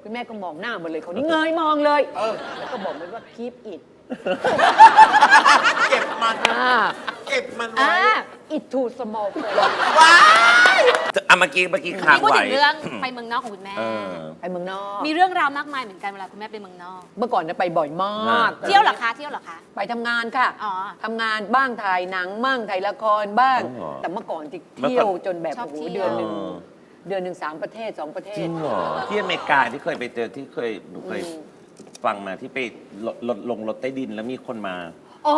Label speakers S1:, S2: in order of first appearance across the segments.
S1: คุณแม่ก็มองหน้ามันเลยเขานี่เงยมองเลยแล้วก็บอกมันว่า keep it
S2: เก็บมันเก็บมันไว้
S1: it too small for
S2: ว้าย
S3: เมื่อกี้ค้าง
S4: พูด
S3: ไว้
S4: ถึงเรื่องไปเมืองนอกของคุณแม่
S1: ไปเมืองนอก
S4: มีเรื่องราวมากมายเหมือนกันเวลาคุณแม่ไปเมืองนอก
S1: เมื่อก่อนเนี่ยไปบ่อยมาก
S4: เที่ยวเหรอคะเที่ยวเหรอคะ
S1: ไปทำงานค่ะ
S4: อ๋อ
S1: ทำงานบ้างถ่ายหนังบ้างถ่ายละครบ้าง
S3: อ๋อ
S1: แต่เมื่อก่อนที่เที่ยวจนแบบ
S4: ชอบ
S1: โอ้โห
S4: เที่ยว
S1: เดือนหนึ่ง3 ประเทศ 2 ประเท
S3: จริ
S1: ศ
S3: งเหรอที่อเมริกาที่เคยไปเจอที่หนูเคยฟังมาที่ไปลงรถใต้ดินแล้วมีคนมา
S1: อ๋อ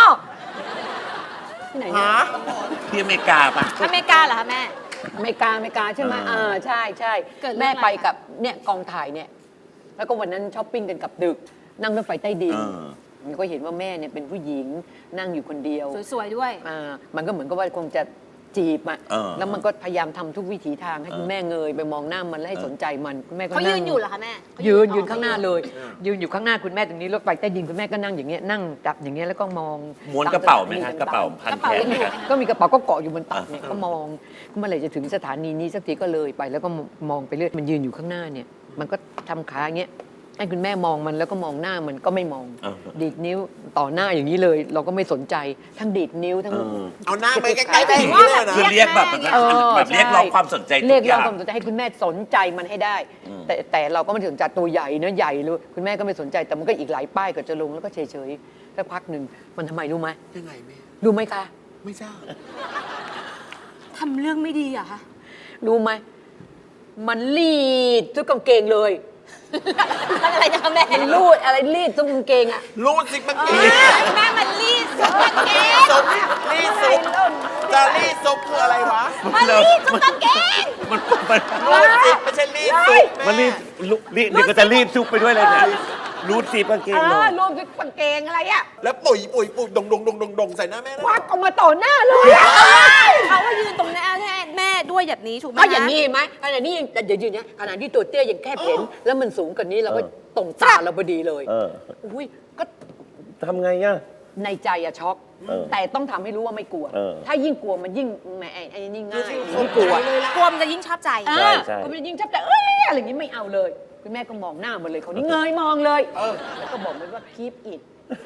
S1: ที่ไหนเนี่ย
S2: ฮะ
S3: ที่อเมริกาปะ
S4: อเมริกาเหรอคะแม่
S1: อเมริกาใช่ไหมใช่ใช่
S4: เกิดเรื่อง
S1: แม่
S4: อะไร
S1: ไปกับเนี่ยกองถ่ายเนี่ยแล้วก็วันนั้นช้อปปิ้งกันกับดึก นั่งรถไฟใต้ดินก็เห็นว่าแม่เนี่ยเป็นผู้หญิงนั่งอยู่คนเดียว
S4: สวยๆด้วย
S1: มันก็เหมือนกับว่าคงจะจีบอ่ะ
S3: เออ
S1: แล้วมันก็พยายามทำทุกวิถีทางให้คุณแม่เงยไปมองหน้ามันแล้วให้สนใจมันคุณแม่ก็
S4: เขา
S1: นั่
S4: ยื
S1: ง
S4: นอยู่เหรอคะแม่
S1: ยืนข้างหน้าเลย ยืนอยู่ข้างหน้าคุณแม่ตรงนี้รถไฟใต้ดินคุณแม่ก็นั่งอย่างเงี้ยนั่งจับอย่างเงี้ยแล้วก็มอง
S3: ม้วนกระเป๋าไหมคะกระเป๋าพันแขนไหมคะ
S1: ก็มีกระเป๋าก็เกาะอยู่บนตักเนี่ยก็มองเมื่อไหร่จะถึงสถานีนี้สักทีก็เลยไปแล้วก็มองไปเรื่อยมันยืนอยู่ข้างหน้าเนี่ยมันก็ทำขาอย่างเงี้ยให้คุณแม่มองมันแล้วก็มองหน้ามันก็ไม่มอง ดีดนิ้วต่อหน้าอย่างนี้เลย เราก็ไม่สนใจทั้งดีดนิ้วทั้ง
S2: เอาหน้าไปใกล้ๆไปอย่างนี้เลยนะ
S3: คือเรียกแบบแบบเรียกร้องความสนใจทุ
S1: เรียก
S3: กอ
S1: ร้อง
S3: ย่าง
S1: ความสนใจให้คุณแม่สนใจมันให้ได้ แต่เราก็ไม่สนใจตัวใหญ่เนื้อใหญ่เลยคุณแม่ก็ไม่สนใจแต่มันก็อีกหลายป้ายก็จะลงแล้วก็เฉยๆสักพักหนึ่งมันทำไมรู้ไหม
S2: ยังไงแม่
S1: รู้ไหมคะ
S2: ไม่ทราบ
S4: ทำเรื่องไม่ดีเหรอะคะ
S1: รู้ไหมมันรีดทุกกางเกงเลย
S4: อะไรนะคะแม่
S1: มันรูดอะไรรีดทุกกางเกงอ่ะ
S2: รูดซิกมันเก
S4: แม่มันรีดซุปกางเกง
S2: ซุปรีดซุปจะรีดซุปคืออะไรวะ
S4: มันรีดซุปกางเกง
S3: มัน
S2: รูดซิกไม่ใช่รีดซุป
S3: มันรี
S2: แม่
S3: ดเดี๋ยวก็จะรีดซุปไปด้วยเลยเนี่ยรูดซีบกางเกงลง
S1: รูดทุกกางเกงอะไรอ่ะ
S2: แล้วปุ๋ยดงใส่หน้าแม่นะ
S1: ควักออกมาต่อหน้าเลยอะ
S4: เขาว่ายืนตรงหน้าแม่ด้วยแบบนี้ถูกไหม
S1: ก็อย่างนี้เห็นไหมขนาดนี้ยังเดี๋ยวยืนเนี่ยขนาดที่ตัวเตี้ยยังแคบเห็น แล้วมันสูงกว่านี้เราก็ตรงตาเราพอดีเลย อุ้ยก็
S3: ทำไงอ่ะ
S1: ในใจอะช็อก แต่ต้องทำให้รู้ว่าไม่กลัว ถ้ายิ่งกลัวมันยิ่งแหมไอ้นี่ง่ายไม่กลัว
S4: กลัวมันจะยิ่งชอบใจ
S1: ก็มันยิ่งชับแต่อะไรอย่างนี้ไม่เอาเลย คุณแม่ก็มองหน้ามันเลยเขานี่เงยมองเลย แล้วก็บอกมันว่า keep it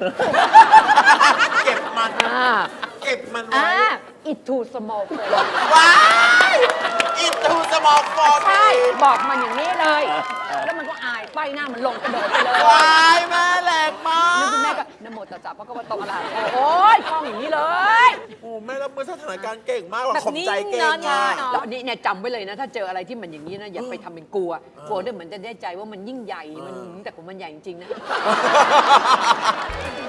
S2: เก็บมัน เก็บมันไว้
S1: it too small for
S2: ว้ายอินทูสมองฟอร์
S1: ใช่บอกมันอย่างนี้เลย แล้วมันก็อายป้ายหน้ามันลงกระโดดไปเลย
S2: ว้ายแม่แรงมา
S1: แล้วคุณแม่
S2: ก
S1: ก็นะโมตัสสะพระคัมภีโตอะระหะโตโอ้ยคล่องอย่างนี้เลย
S2: โอ้แม่รับมือสถานการณ์เก่งมากว่ะ
S4: แบบ
S2: ขอบใจเก่ง
S4: นิ่งๆ
S2: มาก
S4: เนอะ
S1: แล้วนี่เนี่ยจำไว้เลยนะ ถ้าเจออะไรที่มันอย่างนี้นะอย่าไปทำเป็นกลัวด้วยเหมือนจะได้ใจว่ามันยิ่งใหญ่มันแต่ของมันใหญ่จริงๆนะ